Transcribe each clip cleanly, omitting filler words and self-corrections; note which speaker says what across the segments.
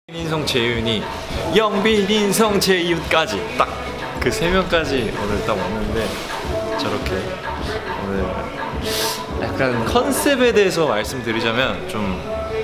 Speaker 1: 인성 재윤이 영빈 인성 재윤까지 딱 그 세 명까지 오늘 딱 왔는데 저렇게 오늘 약간 컨셉에 대해서 말씀드리자면 좀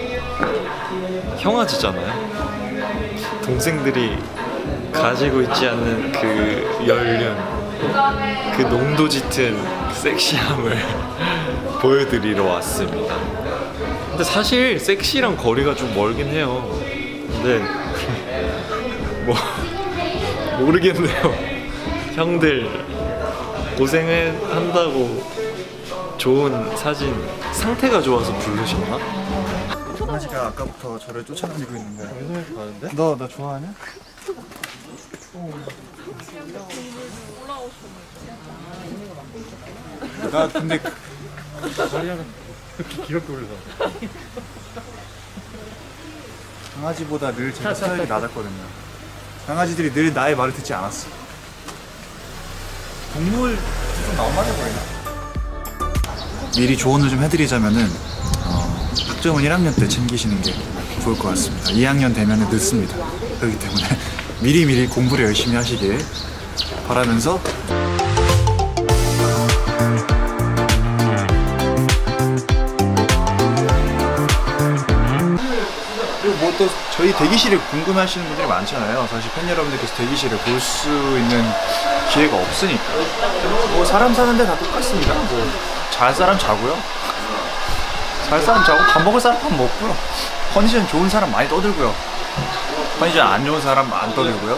Speaker 1: 형아지잖아요. 동생들이 가지고 있지 않는 그 연륜, 그 농도 짙은 섹시함을 보여드리러 왔습니다. 근데 사실 섹시랑 거리가 좀 멀긴 해요. 근데 뭐 모르겠네요. 형들 고생을 한다고 좋은 사진, 상태가 좋아서 부르셨나?
Speaker 2: 강아지가 아까부터 저를 쫓아다니고 있는데.
Speaker 1: 가는데?
Speaker 2: 너 나 좋아하냐? 나 근데 다리가 그렇게 귀엽게 올려. 강아지보다 늘 제가 스타일이 낮았거든요. 강아지들이 늘 나의 말을 듣지 않았어. 동물 좀 너무하게 보이나? 미리 조언을 좀 해드리자면은 학점은 1학년 때 챙기시는 게 좋을 것 같습니다. 2학년 되면 늦습니다. 그렇기 때문에 미리미리 공부를 열심히 하시길 바라면서 그리고 뭐 또 저희 대기실을 궁금해하시는 분들이 많잖아요. 사실 팬 여러분들께서 대기실을 볼 수 있는 기회가 없으니까 뭐 사람 사는데 다 똑같습니다. 뭐 잘 사람 자고요. 잘 사람 자고 밥 먹을 사람 밥 먹고요. 컨디션 좋은 사람 많이 떠들고요. 컨디션 안 좋은 사람 안 떠들고요.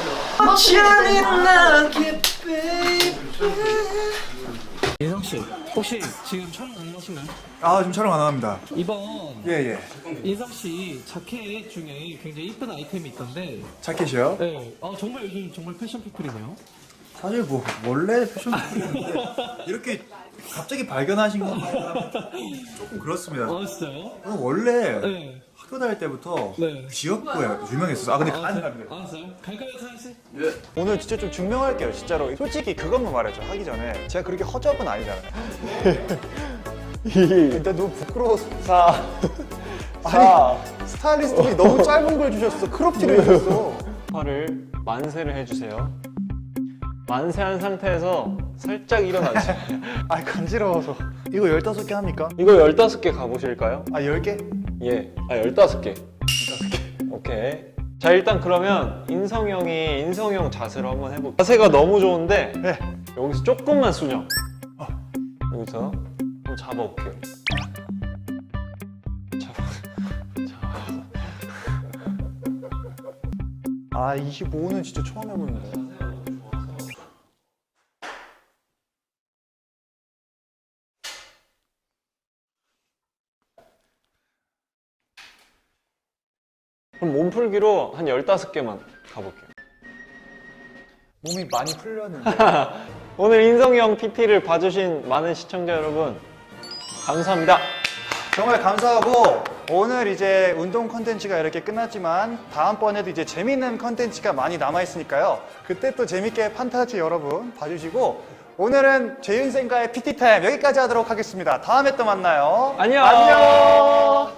Speaker 3: 예성 씨, 혹시 지금 촬영 가능하신가요?
Speaker 2: 아 지금 촬영 안 합니다.
Speaker 3: 이번
Speaker 2: 예예.
Speaker 3: 예성 씨 자켓 중에 굉장히 이쁜 아이템이 있던데,
Speaker 2: 자켓이요?
Speaker 3: 네, 정말 요즘 정말 패션 피플이네요.
Speaker 2: 사실 뭐 원래 패션 이렇게 갑자기 발견하신 건 조금 그렇습니다.
Speaker 3: 진짜요?
Speaker 2: 원래
Speaker 3: 네.
Speaker 2: 학교 다닐 때부터
Speaker 3: 네.
Speaker 2: 귀엽고 유명했었어. 아 근데
Speaker 3: 알았어요. 갈까요, 사연 씨?
Speaker 2: 오늘 진짜 좀 증명할게요. 진짜로 솔직히 그것만 말해줘. 하기 전에 제가 그렇게 허접은 아니잖아요. 일단 너무 부끄러워서 아니 스타일리스트분이 너무 짧은 걸 주셨어. 크롭티를 주셨어.
Speaker 4: 팔을 만세를 해주세요. 만세한 상태에서 살짝 일어나세요.
Speaker 2: 아 간지러워서. 이거 15개 합니까?
Speaker 4: 이거 15개 가보실까요?
Speaker 2: 아 10개?
Speaker 4: 예. 15개. 15개. 오케이. 자, 일단 그러면 인성이 형이 인성형 자세로 한번 해볼게요. 자세가 너무 좋은데
Speaker 2: 네.
Speaker 4: 여기서 조금만 수정. 여기서 한번 잡아볼게요.
Speaker 2: 아 25는 진짜 처음 해보는데.
Speaker 4: 그럼 몸풀기로 한 15개만 가볼게요.
Speaker 2: 몸이 많이 풀렸는데.
Speaker 4: 오늘 인성이 형 PT를 봐주신 많은 시청자 여러분 감사합니다.
Speaker 2: 정말 감사하고 오늘 이제 운동 컨텐츠가 이렇게 끝났지만 다음번에도 이제 재밌는 컨텐츠가 많이 남아있으니까요. 그때 또 재밌게 판타지 여러분 봐주시고 오늘은 재윤생과의 PT 타임 여기까지 하도록 하겠습니다. 다음에 또 만나요.
Speaker 4: 안녕.